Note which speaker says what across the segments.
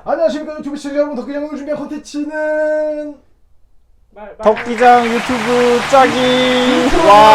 Speaker 1: 안녕하십니까 유튜브 시청자 여러분, 덕기장을 준비한 콘텐츠는
Speaker 2: 덕기장 유튜브 짜기.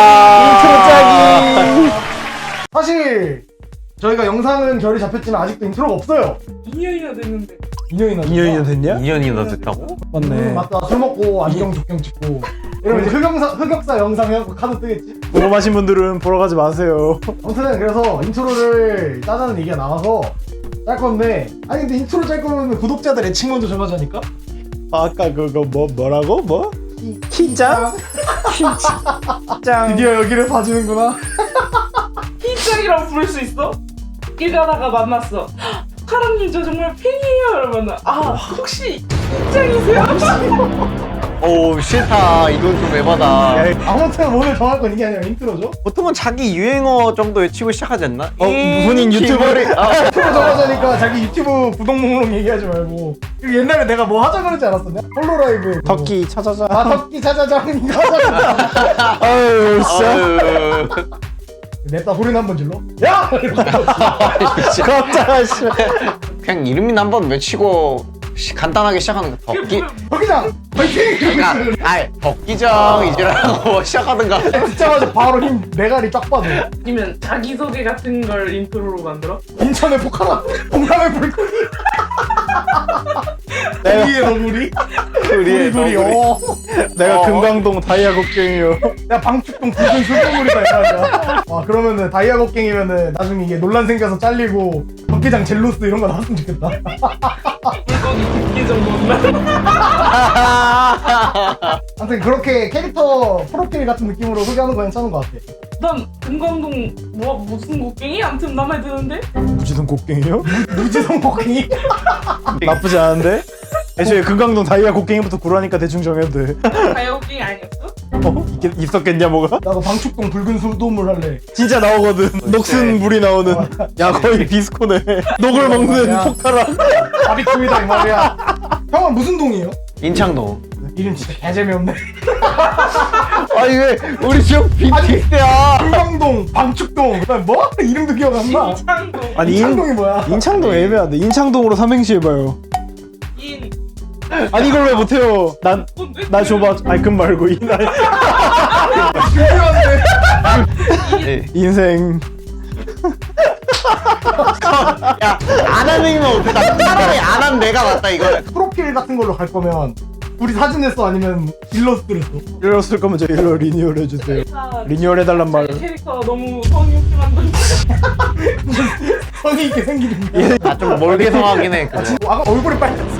Speaker 2: 와, 인트로 짜기.
Speaker 1: 사실 저희가 영상은 결이 잡혔지만 아직도 인트로가 없어요.
Speaker 3: 2년이나 됐는데
Speaker 1: 2년이나
Speaker 2: 됐냐?
Speaker 4: 2년이나 됐다고?
Speaker 2: 맞네.
Speaker 1: 맞다. 술 먹고 안경 조경 찍고 이러면 이제 흑역사 영상 해갖고 카드 뜨겠지.
Speaker 2: 궁금하신 분들은 보러 가지 마세요.
Speaker 1: 아무튼 그래서 인트로를 짜자는 얘기가 나와서 짤 건데, 아니 근데 인트로 짤 거면 구독자들 애칭 먼저 정하자니까?
Speaker 2: 아까 그거 뭐라고? 뭐? 키짱? 키짱.
Speaker 1: 드디어 여기를 봐주는구나.
Speaker 3: 희짱이라고 부를 수 있어? 길 가다가 만났어. 카람님 저 정말 팬이에요. 이러면 혹시 희짱이세요?
Speaker 4: 오 싫다. 이건 좀 에바다.
Speaker 1: 아무튼 오늘 정할 건 이게 아니라 인트로죠?
Speaker 4: 보통은 자기 유행어 정도 외치고 시작하지 않나?
Speaker 2: 무슨 유튜버를
Speaker 1: 인트로 정하자니까 자기 유튜브 구독 목록 얘기하지 말고. 그리고 옛날에 내가 뭐 하자 그러지 않았었냐? 홀로라이브 그거.
Speaker 2: 덕기 찾아자.
Speaker 1: 아 덕기 찾아자 이거 하자.
Speaker 2: 아유 진짜.
Speaker 4: 아유.
Speaker 1: 냈다 소리는 한번 질러. 야!
Speaker 2: 갑자기 씨.
Speaker 4: 그냥 이름이나 한번 외치고 간단하게 시작하는 거. 덕기.
Speaker 1: 덕기장 파이팅!
Speaker 4: 그러니까 덕기정 이제라고 시작하든가.
Speaker 1: 듣자마자 바로 힘 메가리 쫙 빠져.
Speaker 3: 아니면 자기소개 같은 걸 인트로로 만들어?
Speaker 1: 인천의 포카라, 동남의 불고기, 우리의 너구리,
Speaker 4: 우리의
Speaker 1: 우리
Speaker 4: 너구리.
Speaker 2: 내가 금강동 다이아 곡괭이요.
Speaker 1: 야 방축동 붉은 술동물이다 이거야. 와 그러면은 다이아 곡괭이면은 나중에 이게 논란 생겨서 잘리고 덕기장 젤로스 이런 거 나왔으면 좋겠다.
Speaker 3: 물고기 듣기 정도는
Speaker 1: 아무튼 그렇게 캐릭터 프로필 같은 느낌으로 소개하는 거 괜찮은 것 같아.
Speaker 3: 난 금강동 무슨 곡괭이? 아무튼 맘에 드는데?
Speaker 2: 무지성 곡괭이요?
Speaker 1: 무지성 곡괭이?
Speaker 2: 나쁘지 않은데? 애초에 금강동 다이아 곡괭이부터 구라니까 대충 정해도 돼.
Speaker 3: 다이아 곡괭이 아니었어?
Speaker 2: 있었겠냐 뭐가?
Speaker 1: 나도 방축동 붉은 술동물 할래.
Speaker 2: 진짜 나오거든. 녹슨 물이 나오는. 야 거의 비스코네. 녹을 먹는
Speaker 1: 야.
Speaker 2: 포카랑.
Speaker 1: 바비큐이다 이 말이야. 형은 무슨 동이에요?
Speaker 4: 인창동.
Speaker 1: 이름 진짜 개재미없네.
Speaker 4: 아니 왜 우리 지역 빈티스야?
Speaker 1: 금강동, 방축동, 그다음 뭐? 이름도 기억 안 나.
Speaker 3: 인창동
Speaker 2: 아니
Speaker 1: 인창동이 뭐야?
Speaker 2: 인창동 애매한데. 인창동으로 삼행시 해봐요.
Speaker 3: 인
Speaker 2: 아니 이걸 왜 못해요? 나 줘봐. 아니 금 말고
Speaker 1: 중요한데.
Speaker 2: 인생.
Speaker 4: 야안 하는 건 어떡해? 차라리 안 한 내가 맞다 이거.
Speaker 1: 프로필 같은 걸로 갈 거면 우리 사진을 써 아니면 일러스트를 써?
Speaker 2: 이럴 쓸 거면 저 일로 리뉴얼 해주세요. 리뉴얼 해달란 말.
Speaker 3: 캐릭터 너무 성의 없게 만든다.
Speaker 1: 성의 있게 생기는 거야.
Speaker 4: 좀 멀게 성하긴 해. 그거.
Speaker 1: 아까 얼굴이 빨렸어.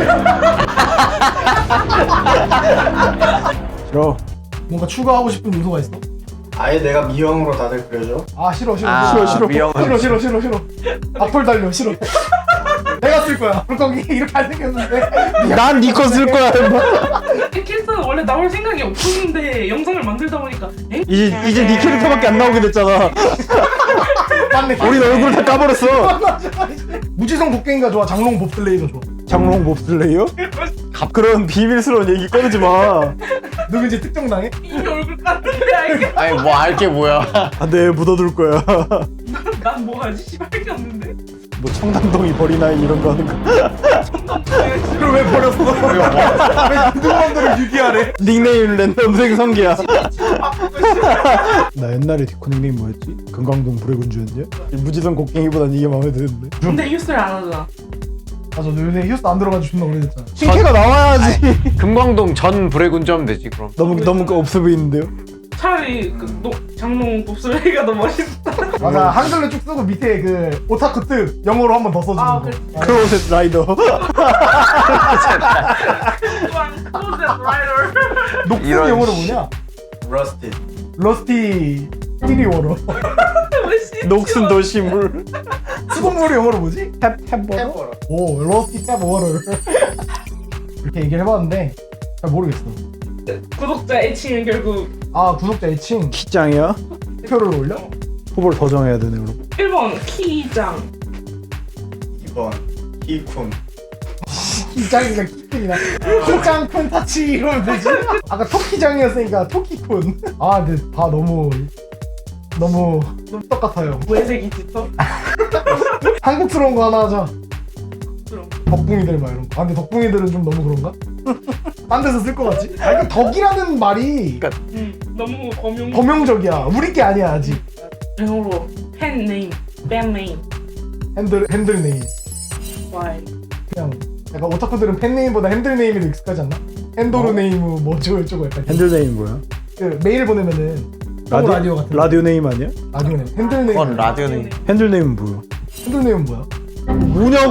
Speaker 2: 싫어.
Speaker 1: 뭔가 추가하고 싶은 요소가 있어?
Speaker 5: 아예 내가 미형으로 다들 그려줘?
Speaker 1: 아 싫어.
Speaker 4: 미영은
Speaker 1: 싫어. 악플 달려 싫어. 내가 쓸 거야. 물고기 이렇게 안 생겼는데.
Speaker 2: 난 니 거 쓸 거야.
Speaker 3: 이 캐릭터는 원래 나올 생각이 없었는데 영상을 만들다 보니까
Speaker 2: 이제 니 캐릭터밖에 안 나오게 됐잖아.
Speaker 1: 맞네.
Speaker 2: 우린 얼굴 다 까버렸어.
Speaker 1: 무지성 곡괭이가 좋아? 장롱 봅슬레이가 좋아?
Speaker 2: 장롱 몹슬레이요? 그런 비밀스러운 얘기 꺼내지 마.
Speaker 1: 누군지 특정당해?
Speaker 3: 이미 얼굴 깠는데 알게
Speaker 4: 아니 뭐 알 게 뭐야?
Speaker 2: 네 묻어둘 거야.
Speaker 3: 난 뭐하지? 씨발게 없는데?
Speaker 2: 뭐 청담동이 버리나이 이런 거 하는 거.
Speaker 1: 그걸 왜 버렸어? 왜 누구만들을 유기하래?
Speaker 2: 닉네임 랜덤 생성기야.
Speaker 3: 바꾸고 싶어.
Speaker 2: 나 옛날에 디코 닉네임 뭐였지? 금강동 불의 군주였냐? 무지성 곡괭이보단 이게 마음에 드는데.
Speaker 3: 근데 휴스를 안 하잖아.
Speaker 1: 맞아, 너 요새 휴스 안 들어가지고 존나 오래됐잖아.
Speaker 2: 신캐가 나와야지.
Speaker 4: 금광동 전 불의 군주하면 되지 그럼.
Speaker 2: 너무 없어 보이는데요?
Speaker 3: 차라리 장롱 봅슬레이가 더 멋있다.
Speaker 1: 맞아, 한글로 쭉 쓰고 밑에 그 오타쿠 뜻 영어로 한 번 더 써주는
Speaker 3: 아,
Speaker 1: 거.
Speaker 3: 그래.
Speaker 2: 크로셋 라이더.
Speaker 1: 녹슨
Speaker 4: 이런
Speaker 1: 영어로
Speaker 4: 씨.
Speaker 1: 뭐냐?
Speaker 5: 러스티.
Speaker 1: 러스티 티리워로.
Speaker 2: 녹슨 도시물.
Speaker 1: 수돗물이 영어로 뭐지?
Speaker 2: 탭
Speaker 5: 해보라.
Speaker 1: 오, 러스티 탭 워터. 이렇게 얘기를 해봤는데 잘 모르겠어.
Speaker 3: 구독자 애칭은 결국
Speaker 1: 아, 구독자 애칭
Speaker 2: 키짱이야?
Speaker 1: 표를 올려?
Speaker 2: 후보를 더 정해야 되네 그럼.
Speaker 3: 1번 키장
Speaker 5: 2번 히쿤.
Speaker 1: 키짱이가 키짱이나 키짱 쿤 타치 이러면 되지? 아까 토키짱이었으니까 토키쿤. 아 근데 다 너무 똑같아요.
Speaker 3: 외색이 짙어?
Speaker 1: 한국스러운 거 하나 하자.
Speaker 3: 그럼
Speaker 1: 덕붕이들 막 이런 거. 아 근데 덕붕이들은 좀 너무 그런가? 딴 데서 쓸 것 같지? 아 그러니까 덕이라는 말이
Speaker 3: 너무 범용.
Speaker 1: 범용적이야. 우리 게 아니야 아직.
Speaker 3: 영어로 팬 네임, 밴 네임.
Speaker 1: 핸들 네임.
Speaker 3: Why?
Speaker 1: 그냥 약간 오타쿠들은 팬 네임보다 핸들 네임이 더 익숙하지 않나? 핸도르 네임 뭐 저거 약간
Speaker 2: 핸들 네임 뭐야?
Speaker 1: 그 메일 보내면은 라디오 같은 거.
Speaker 2: 라디오 네임 아니야?
Speaker 1: 라디오 네임. 핸들 네임.
Speaker 4: 그건 라디오 네임.
Speaker 2: 핸들 네임은 뭐야?
Speaker 1: 핸들 네임은 뭐야?
Speaker 2: 뭐냐고.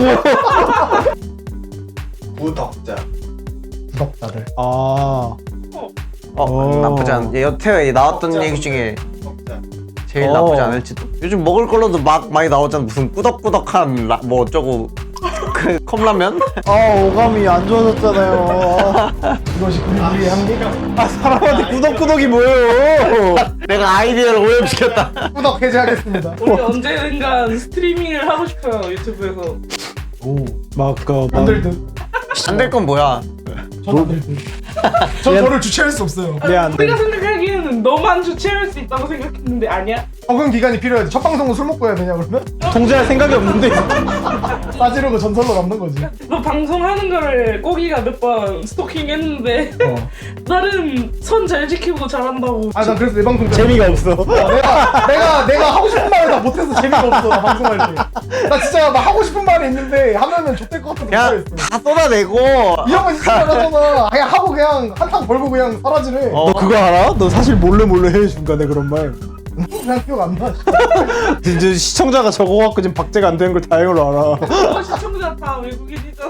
Speaker 5: 구덕자.
Speaker 1: 구독자들.
Speaker 2: 아.
Speaker 4: 나쁘지 않. 여태에 나왔던
Speaker 5: 덕자.
Speaker 4: 얘기 중에
Speaker 5: 덕자.
Speaker 4: 제일 나쁘지 않을지도. 요즘 먹을 걸로도 막 많이 나오잖아. 무슨 꾸덕꾸덕한 뭐 어쩌고 그 컵라면?
Speaker 2: 오감이 안 좋아졌잖아요.
Speaker 1: 이것이 우리의 한계?
Speaker 2: 사람한테 꾸덕꾸덕이 뭐예요?
Speaker 4: 내가 아이디어를 오염시켰다.
Speaker 1: 구독 해제하겠습니다.
Speaker 3: 우리 언젠간 스트리밍을 하고 싶어요 유튜브에서.
Speaker 1: 오.
Speaker 2: 막그
Speaker 1: 안될 듯.
Speaker 4: 안 될 건 뭐야?
Speaker 1: 전 안 될 듯. 전 저를 주체할 수 없어요.
Speaker 2: 안 돼.
Speaker 3: 우리가 생각하기에는 너만 주체할 수 있다고 생각했는데 아니야?
Speaker 1: 적응 기간이 필요하지. 첫 방송은 술 먹고 해야 되냐 그러면?
Speaker 2: 통제할 생각이 없는데.
Speaker 1: 싸지르고 전설로 남는 거지.
Speaker 3: 너 방송하는 거를 꼬기가 몇 번 스토킹했는데 나름 선 잘 지키고 잘한다고.
Speaker 1: 아 난 그래서 내 방송 때
Speaker 2: 재미가 없어.
Speaker 1: 내가 하고 싶은 말을 다 못해서 재미가 없어. 나 방송할 때. 나 진짜 막 하고 싶은 말이 있는데 하면은 좆될 것 같아서
Speaker 4: 그냥
Speaker 1: 못하겠어.
Speaker 4: 다 쏟아내고.
Speaker 1: 이런 거 진짜 잘하잖아. 그냥 하고 그냥 한탕 벌고 그냥 사라지래.
Speaker 2: 너 그거 알아? 너 사실 몰래 해 중간에 그런 말.
Speaker 1: 그냥 기억 안 나.
Speaker 2: 진짜 시청자가 적어갖고 지금 박제가 안 되는 걸 다행으로 알아.
Speaker 3: 시청자 다 외국인이잖아.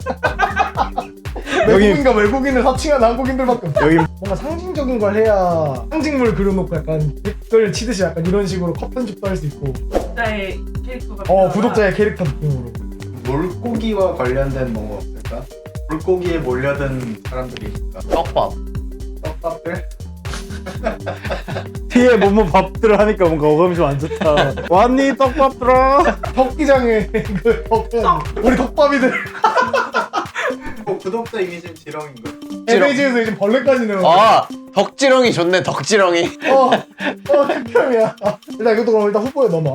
Speaker 1: 외국인과 외국인을 사칭하는 한국인들밖에 없어.
Speaker 2: 여기
Speaker 1: 뭔가 상징적인 걸 해야 상징물 그려놓고 약간 댓글 치듯이 약간 이런 식으로 컷 편집도 할 수 있고.
Speaker 3: 구독자의 캐릭터가.
Speaker 1: 구독자의 캐릭터 느낌으로.
Speaker 5: 물고기와 관련된 뭐 없을까? 물고기에 몰려든 사람들이 있을까?
Speaker 4: 떡밥.
Speaker 5: 떡밥들?
Speaker 2: 뒤에 뭐뭐 밥들을 하니까 뭔가 어감이 좀 안 좋다. 왔니 떡밥들아?
Speaker 1: 덕기장에 그 우리 덕밥이들
Speaker 5: 구독자 이미지는 지렁인 거.
Speaker 1: 에베이지에서 요즘 벌레까지 내요.
Speaker 4: 덕지렁이 좋네. 덕지렁이.
Speaker 1: 특별이야. 일단 이것도 그럼 일단 후보에 넣어놔.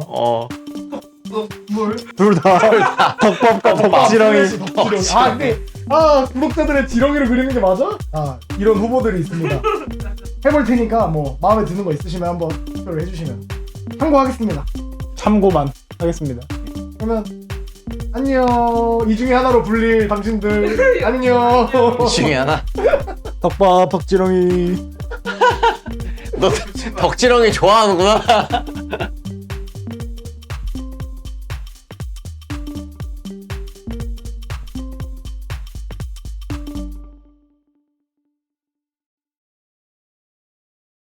Speaker 3: 물.
Speaker 2: 둘 다 덕밥과 덕지렁이.
Speaker 1: 덕지렁이. 근데 구독자들의 지렁이를 그리는 게 맞아? 이런 후보들이 있습니다. 해볼 테니까 뭐 마음에 드는 거 있으시면 한번 투표를 해주시면 참고하겠습니다.
Speaker 2: 참고만 하겠습니다.
Speaker 1: 그러면 안녕. 이 중에 하나로 불릴 당신들 안녕.
Speaker 4: 중에 하나.
Speaker 2: 덕밥 덕지렁이.
Speaker 4: 너 덕지렁이 좋아하는구나.